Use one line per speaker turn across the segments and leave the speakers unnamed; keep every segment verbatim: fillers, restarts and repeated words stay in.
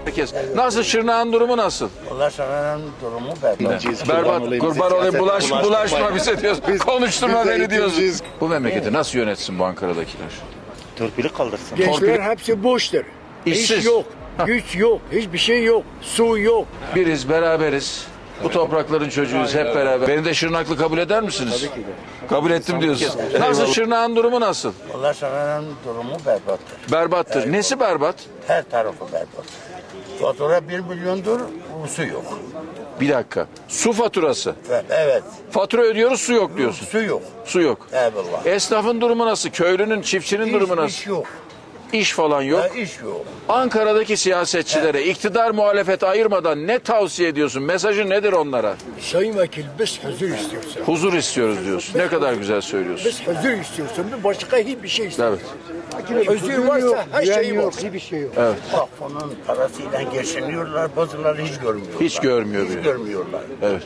Herkes. Nasıl Şırnak'ın durumu nasıl?
Allah Şırnak'ın durumu berbat.
Berbat. Kurban olayım. Bulaş, bulaşma bize diyoruz. Konuşturma beni diyoruz. Bu memleketi nasıl yönetsin bu Ankara'dakiler?
Torpili kaldırsın.
Gençler hepsi boştur.
İşsiz.
İş yok, güç yok, hiçbir şey yok, su yok.
Biriz, beraberiz. Bu toprakların çocuğuyuz hep beraber. Beni de Şırnaklı kabul eder misiniz? Tabii ki de. Kabul ettim diyorsun. Nasıl Şırnak'ın durumu nasıl?
Allah Şırnak'ın durumu berbattır.
Berbattır. Nesi berbat?
Her tarafı berbat. Fatura bir milyondur, su yok.
Bir dakika. Su faturası.
Evet,
Fatura ödüyoruz, su yok diyorsun.
su yok.
Su yok.
Eyvallah.
Esnafın durumu nasıl? Köylünün, çiftçinin durumu
İş,
nasıl?
iş yok.
İş falan yok.
Ha, iş yok.
Ankara'daki siyasetçilere iktidar muhalefet ayırmadan ne tavsiye ediyorsun? Mesajı nedir onlara?
Sayın Vekil biz huzur istiyoruz.
Huzur istiyoruz diyorsun. Ne kadar güzel söylüyorsun.
Biz huzur istiyoruz. Başka hiçbir şey istemiyoruz.
Evet.
Huzur varsa her şey var. Hiçbir şey yok.
Bak onun parasıyla geçiniyorlar, bazıları hiç görmüyorlar.
Hiç görmüyor
Hiç
bile.
görmüyorlar.
Evet.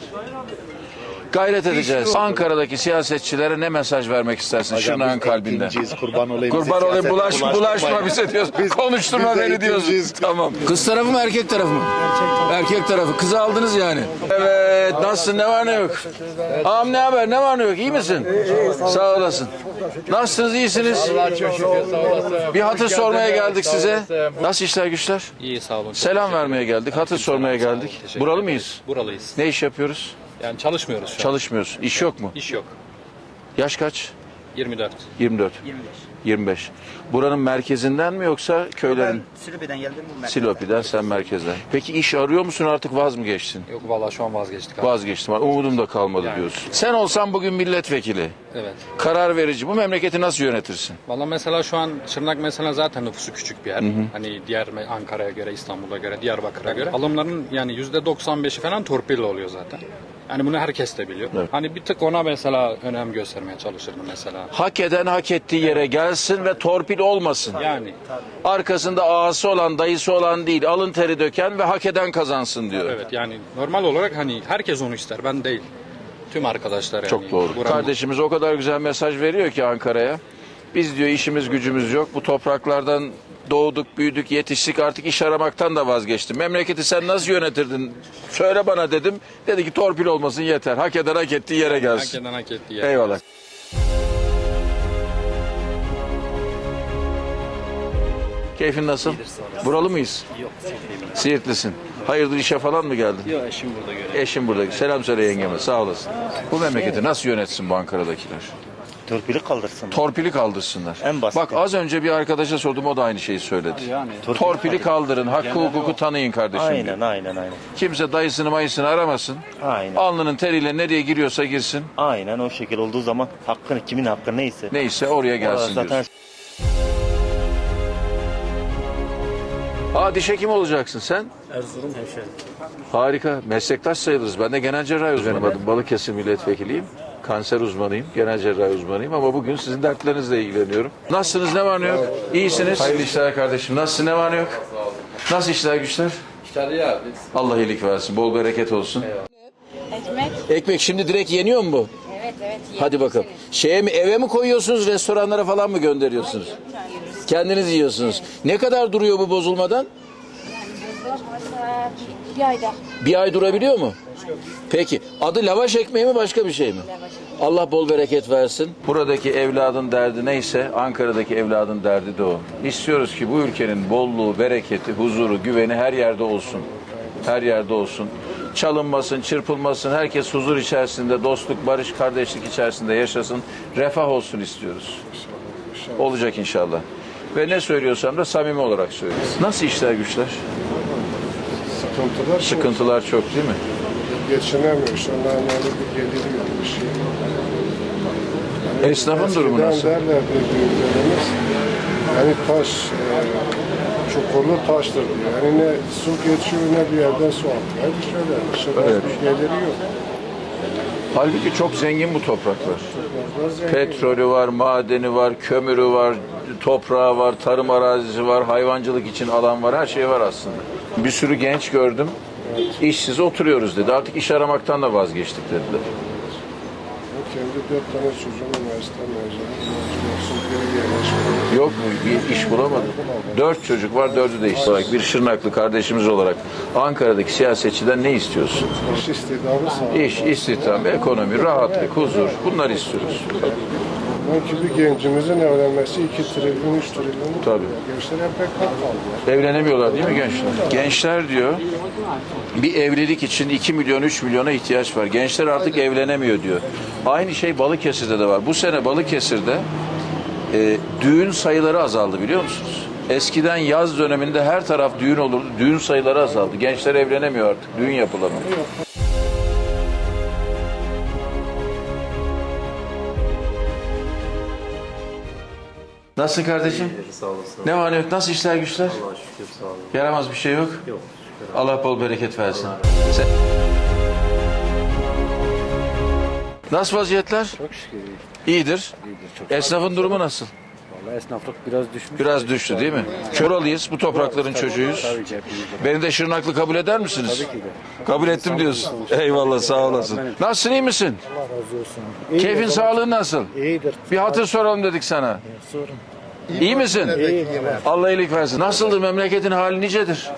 Gayret edeceğiz. Ankara'daki siyasetçilere ne mesaj vermek istersin Şırnak'ın kalbinden?
Eğitimciyiz, kurban olayım.
Kurban olayım, bulaş, bulaşma bize diyoruz. Konuşturma
biz de
beni diyoruz.
eğitimciyiz.
Tamam. Kız tarafı mı erkek tarafı mı? Erkek tarafı. Kızı aldınız yani. Evet. Nasılsın? Ne var ne yok? Ağam ne haber? Ne var ne yok? İyi misin? Sağ olasın. Nasılsınız? İyisiniz? Bir hatır sormaya geldik size. Nasıl işler güçler?
İyi sağ olun.
Selam vermeye geldik. Hatır sormaya geldik. Buralı mıyız?
Buralıyız.
Ne iş yapıyoruz?
Yani çalışmıyoruz şu an.
Çalışmıyoruz. İş yok mu?
İş yok.
Yaş kaç?
yirmi dört.
yirmi dört. yirmi beş. Buranın merkezinden mi yoksa köylerin?
Silivri'den geldim.
Silopi'den, sen merkezden. Peki iş arıyor musun, artık vaz mı geçtin?
Yok vallahi şu an vazgeçtik abi.
Vazgeçtim. Umudum da kalmadı
Yani.
diyorsun. Sen olsan bugün milletvekili,
Evet.
karar verici, bu memleketi nasıl yönetirsin?
Vallahi mesela şu an Şırnak mesela zaten nüfusu küçük bir yer. Hani diğer me- Ankara'ya göre, İstanbul'a göre, Diyarbakır'a göre. Alımların yani yüzde doksan beşi falan torpille oluyor zaten. Yani bunu herkes de biliyor.
Evet.
Hani bir tık ona mesela önem göstermeye çalışırdım mesela.
Hak eden hak ettiği yere gelsin ve torpil olmasın.
Yani
Arkasında ağası olan, dayısı olan değil, alın teri döken ve hak eden kazansın diyor.
evet yani normal olarak hani herkes onu ister. Ben değil. Tüm arkadaşlar yani.
Çok doğru.
Buranın-
Kardeşimiz o kadar güzel mesaj veriyor ki Ankara'ya. Biz diyor işimiz gücümüz yok. Bu topraklardan doğduk, büyüdük, yetiştik. Artık iş aramaktan da vazgeçtim. Memleketi sen nasıl yönetirdin? Söyle bana dedim. Dedi ki torpil olmasın yeter. Hak eden hak ettiği yere
Hak
gelsin.
eden hak ettiği yer.
Eyvallah. Keyfin nasıl? Buralı mıyız?
Yok, Siirtliyim.
Siirtlisin. Hayırdır işe falan mı geldin?
Yok, eşim burada görev.
Eşim burada. Selam söyle yengeme. Sağ olasın. Bu memleketi nasıl yönetsin bu Ankara'dakiler?
Torpili kaldırsın.
Torpili kaldırsınlar.
En basiti.
Bak az önce bir arkadaşa sordum, o da aynı şeyi söyledi.
Yani
Torpili kaldırın, hakkı hukuku tanıyın kardeşim diyor.
Aynen, aynen, aynen.
Kimse dayısını mayısını aramasın.
Aynen.
Alnının teriyle nereye giriyorsa girsin.
Aynen o şekil olduğu zaman hakkını, kimin hakkı neyse.
Neyse oraya gelsin
Zaten
diyorsun. Aa, diş hekimi olacaksın sen.
Erzurum hemşehri.
Harika. Meslektaş sayılırız. Ben de genel cerrahi uzmanıyım. Adım Balıkesir milletvekiliyim. Kanser uzmanıyım. Genel cerrahi uzmanıyım. Ama bugün sizin dertlerinizle ilgileniyorum. Nasılsınız? Ne var ne yok? İyisiniz. Hayırlı işler kardeşim. Nasılsın? Ne var ne yok? Nasıl işler güçler?
İşler iyi abi.
Allah iyilik versin. Bol bereket olsun.
Ekmek.
Ekmek şimdi direkt yeniyor mu bu?
Evet evet.
Hadi bakalım. Şeye mi, eve mi koyuyorsunuz, restoranlara falan mı gönderiyorsunuz? Kendiniz yiyorsunuz. Ne kadar duruyor bu bozulmadan?
Mesela bir ayda.
Bir ay durabiliyor mu? Peki. Adı lavaş ekmeği mi, başka bir şey mi? Allah bol bereket versin. Buradaki evladın derdi neyse Ankara'daki evladın derdi de o. İstiyoruz ki bu ülkenin bolluğu, bereketi, huzuru, güveni her yerde olsun. Her yerde olsun. Çalınmasın, çırpılmasın. Herkes huzur içerisinde, dostluk, barış, kardeşlik içerisinde yaşasın. Refah olsun istiyoruz. Olacak inşallah. Ve ne söylüyorsam da samimi olarak söylüyoruz. Nasıl işler güçler?
Sıkıntılar çok.
Sıkıntılar çok değil mi?
Geçinemiyor. Onların öyle bir geliri yok bir şey. Yani
Esnafın durumu
eskiden
nasıl?
derlerdi büyüklerimiz. Yani taş, e, çukurlu taştır diyor. Yani ne su geçiyor ne bir yerden su atıyor. Hep şöyle. Şimdi
Evet.
bir geliri yok.
Halbuki çok zengin bu topraklar.
Biraz zengin.
Petrolü var, madeni var, kömürü var, toprağı var, tarım arazisi var, hayvancılık için alan var, her şey var aslında. Bir sürü genç gördüm, işsiz oturuyoruz dedi. Artık iş aramaktan da vazgeçtik dediler.
Kendi dört tane çocuğum üniversite mezunu. Olsun geri yerleşmiyor.
Yok mu? Bir iş bulamadım. Dört çocuk var, dördü de iş olarak. Bir Şırnaklı kardeşimiz olarak Ankara'daki siyasetçiden ne istiyorsun?
İş istihdamı sağ.
İş, istihdam, ekonomi, rahatlık, huzur. Bunları istiyoruz.
Belki bir gencimizin evlenmesi iki trilyon, üç trilyon.
Tabii.
Gençler hep bekar kaldı.
Evlenemiyorlar değil mi gençler? Gençler diyor, bir evlilik için iki milyon, üç milyona ihtiyaç var. Gençler artık evlenemiyor diyor. Aynı şey Balıkesir'de de var. Bu sene Balıkesir'de e, düğün sayıları azaldı biliyor musunuz? Eskiden yaz döneminde her taraf düğün olurdu. Düğün sayıları azaldı. Gençler evlenemiyor artık. Düğün yapılamıyor. Nasılsın kardeşim?
Sağ olasın.
Ne var ne yok? Nasıl işler güçler?
Allah'a şükür sağ olun.
Yaramaz bir şey yok.
Yok.
Allah bol bereket versin. Sen... Nasıl vaziyetler?
Çok şükür iyi.
İyidir.
İyidir çok.
Esnafın durumu nasıl?
Vallahi esnaflık biraz düşmüş.
Biraz düştü değil mi? Köralıyız, bu toprakların çocuğuyuz.
Tabii ki hepimiz.
Beni de Şırnaklı kabul eder misiniz?
Tabii ki de.
Kabul ettim diyorsun. Eyvallah, sağ olasın. Nasılsın, iyi misin?
Allah razı olsun. İyidir,
Keyfin,
baba.
sağlığın nasıl?
İyidir.
Bir hatır soralım dedik sana.
Sorun.
İyi misin?
İyi.
Allah iyilik versin. Nasıldır memleketin hali nicedir?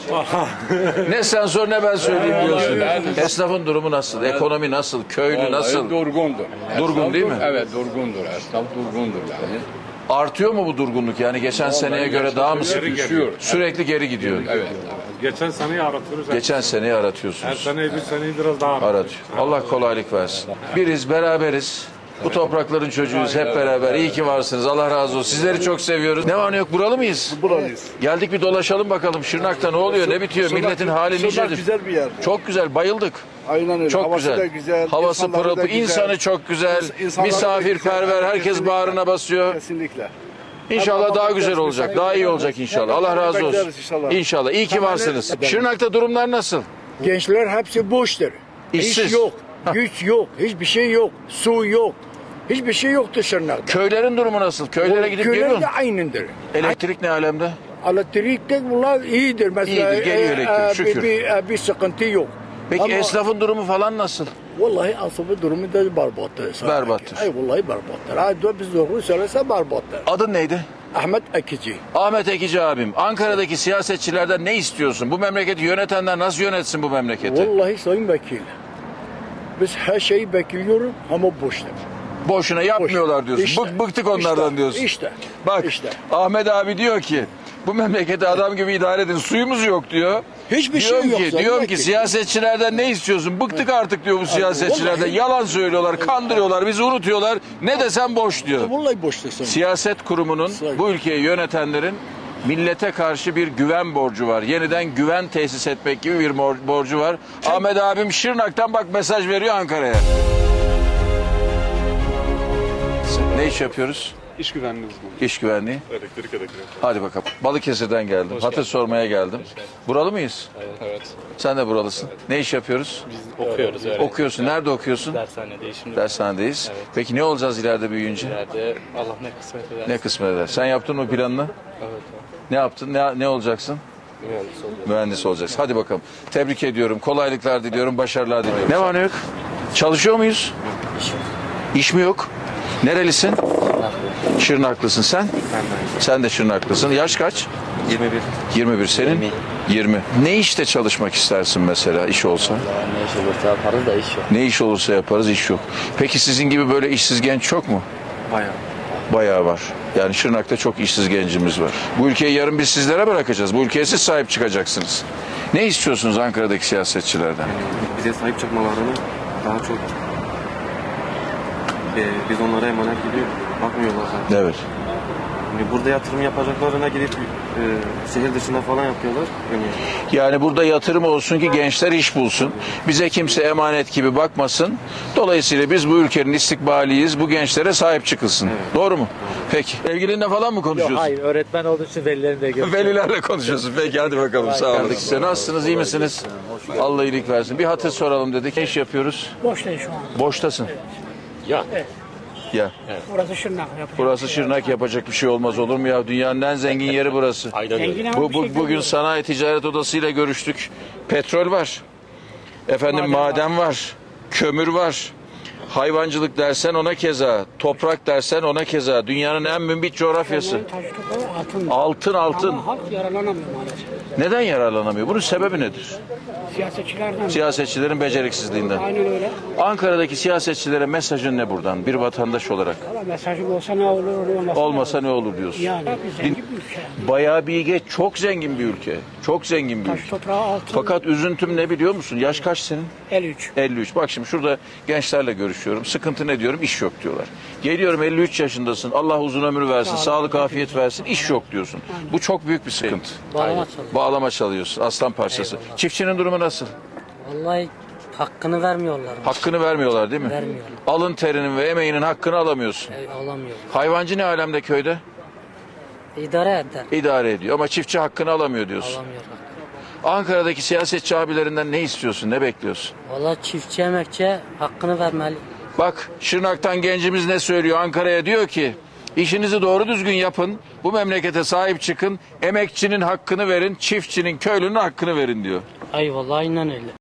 Ne sen sor ne ben söyleyeyim diyorsun. Esnafın durumu nasıl? Ekonomi nasıl? Köylü nasıl?
Durgundur.
Durgun değil mi?
Evet durgundur. Esnaf durgundur yani.
Artıyor mu bu durgunluk? Yani geçen seneye göre daha mı sık?
Düşüyor.
Sürekli geri gidiyor.
Evet.
Geçen seneyi aratıyoruz.
Geçen seneyi
Her
aratıyorsunuz.
seneyi bir seneyi biraz daha aratıyoruz.
Aratıyor. Allah kolaylık versin. Biriz, beraberiz. Bu toprakların çocuğuyuz hep beraber. İyi ki varsınız. Allah razı olsun. Sizleri çok seviyoruz. Ne var ne yok? Buralı mıyız?
Buralıyız.
Geldik bir dolaşalım bakalım. Şırnak'ta ne oluyor? Ne bitiyor? Milletin hali nicedir?
güzel bir yer.
Çok güzel. Bayıldık.
Aynen öyle.
Çok
Havası
güzel.
da güzel.
Havası
insanları
pırıl
da
pırıl.
güzel.
İnsanı çok güzel.
İnsanları da
Misafirperver.
güzel.
Herkes
Kesinlikle.
bağrına basıyor.
Kesinlikle.
İnşallah
Ama
daha güzel
bekleriz,
olacak.
inşallah.
Daha iyi olacak inşallah. Allah razı olsun.
Bekleriz inşallah.
İnşallah. İyi ki varsınız. Şırnak'ta durumlar nasıl?
Gençler hepsi boştur.
İşsiz.
İş yok, güç yok, hiçbir şey yok, su yok. Hiçbir şey yoktu Şırnak'ta.
Köylerin durumu nasıl? Köylere gidip
Köyler
geliyor
de
musun?
aynıdır.
Elektrik ne alemde?
Elektrik de bunlar iyidir. Mesela
İyidir, geliyor elektrik, şükür.
Bir, bir, bir sıkıntı yok.
Peki
Ama
esnafın durumu falan nasıl?
vallahi asabı durumu da berbattır.
Berbattır.
Ay vallahi berbattır. Ay da biz doğru söylese berbattır.
Adın neydi?
Ahmet Ekici.
Ahmet Ekici abim. Ankara'daki siyasetçilerden ne istiyorsun? Bu memleketi yönetenler nasıl yönetsin bu memleketi?
Vallahi sayın vekil. Biz her şeyi bekliyoruz ama boştur.
Boşuna yapmıyorlar diyorsun.
İşte,
Bık, bıktık onlardan
işte,
diyorsun.
işte,
Bak
işte.
Ahmet abi diyor ki bu memleketi adam gibi idare edin. Suyumuz yok diyor.
Hiçbir
diyorum
şey yok
ki,
sayın
diyorum ki
vekil.
siyasetçilerden ne istiyorsun? Bıktık artık diyor bu siyasetçilerden.
vallahi-
Yalan söylüyorlar, kandırıyorlar, bizi unutuyorlar. Ne desem boş diyor.
Vallahi boştur sayın.
Siyaset kurumunun,
Sayın.
bu ülkeyi yönetenlerin millete karşı bir güven borcu var. Yeniden güven tesis etmek gibi bir mor- borcu var. Ahmet abim Şırnak'tan bak mesaj veriyor Ankara'ya. Ne iş yapıyoruz?
İş güvenliği uzmanı.
İş güvenliği.
Elektrik elektrik.
Hadi bakalım. Balıkesir'den geldim. Hatır sormaya geldim. Buralı mıyız?
Evet.
Sen de buralısın. Ne iş yapıyoruz?
Okuyoruz öyle.
Okuyorsun. Nerede okuyorsun?
Dershanedeyiz şimdi.
Dershanedeyiz. Peki ne olacağız ileride büyüyünce?
İleride Allah ne kısmet eder.
Ne kısmet eder? Sen yaptın mı planını?
Evet.
Ne yaptın? Ne, ne olacaksın?
Mühendis oluyor.
Mühendis olacaksın. Hadi bakalım. Tebrik ediyorum. Kolaylıklar diliyorum. Başarılar diliyorum. Ne var ne yok? Çalışıyor muyuz? İş mi yok? Nerelisin? Şırnaklısın sen? Sen de Şırnaklısın. Yaş kaç?
yirmi bir.
yirmi bir senin?
yirmi.
yirmi. Ne işte çalışmak istersin mesela iş olsa?
Ne iş olursa yaparız da iş yok.
Ne iş olursa yaparız, iş yok. Peki sizin gibi böyle işsiz genç çok mu?
Bayağı.
Bayağı var. Yani Şırnak'ta çok işsiz gencimiz var. Bu ülkeyi yarın biz sizlere bırakacağız. Bu ülkeye siz sahip çıkacaksınız. Ne istiyorsunuz Ankara'daki siyasetçilerden?
Bize sahip çıkmalarını daha çok e, biz onlara emanet gibi bakmıyorlar zaten.
Evet.
Yani burada yatırım yapacaklarına gidip e, şehir dışında falan yapıyorlar. Yani
Yani burada yatırım olsun ki gençler iş bulsun. Bize kimse emanet gibi bakmasın. Dolayısıyla biz bu ülkenin istikbaliyiz. Bu gençlere sahip çıkılsın. Doğru mu? Peki. Sevgilinle falan mı konuşuyorsun?
Hayır, öğretmen olduğu için velilerini de görüyorum.
Velilerle konuşuyorsun. Peki hadi bakalım. Sağ olun. Size nasılsınız? İyi misiniz? Allah iyilik versin. Bir hatır soralım dedik. Ne iş yapıyoruz?
Boştayız şu an.
Boştasın.
Ya.
Ya.
Burası Şırnak yapıyor.
Burası Şırnak, yapacak bir şey olmaz olur mu ya? Dünyanın en zengin yeri burası.
Aynen öyle.
Zengin ama
Bu,
bir
bu-
şey
bugün
görmüyor.
Sanayi Ticaret Odası ile görüştük. Petrol var. Efendim maden,
Maden
var. Kömür var. Hayvancılık dersen ona keza, toprak dersen ona keza. Dünyanın en mümbit coğrafyası.
Altın.
Altın altın.
Halk yararlanamıyor maalesef.
Neden yararlanamıyor? Bunun sebebi nedir?
Siyasetçilerden.
Siyasetçilerin beceriksizliğinden.
Aynen öyle.
Ankara'daki siyasetçilere mesajın ne buradan? Bir vatandaş olarak.
Valla mesajım olsa ne olur, olmasa
Olmasa ne olur diyorsun.
Yani zengin bir ülke.
Bayağı bilge, çok zengin bir ülke. Çok zengin bir
Taş
ülke.
toprağı altın.
Fakat üzüntüm ne biliyor musun? Yaş kaç senin?
elli üç.
elli üç. Bak şimdi şurada gençlerle görüşüyorum. Sıkıntı ne diyorum? İş yok diyorlar. Geliyorum elli üç yaşındasın. Allah uzun ömür versin. Sağlık, afiyet versin. İş yok diyorsun. Bu çok büyük bir sıkıntı.
Bağlama çalıyor.
Bağlama çalıyorsun. Aslan parçası. Çiftçinin durumu nasıl?
Vallahi hakkını vermiyorlar.
Hakkını vermiyorlar değil mi?
Vermiyorlar.
Alın terinin ve emeğinin hakkını alamıyorsun.
E, alamıyor.
Hayvancı ne alemde köyde?
İdare eder.
İdare ediyor ama çiftçi hakkını alamıyor diyorsun.
Alamıyor.
Ankara'daki siyasetçi abilerinden ne istiyorsun? Ne bekliyorsun?
Vallahi çiftçi emekçiye hakkını vermeli.
Bak Şırnak'tan gencimiz ne söylüyor? Ankara'ya diyor ki işinizi doğru düzgün yapın. Bu memlekete sahip çıkın. Emekçinin hakkını verin. Çiftçinin, köylünün hakkını verin diyor.
Ay vallahi aynen öyle.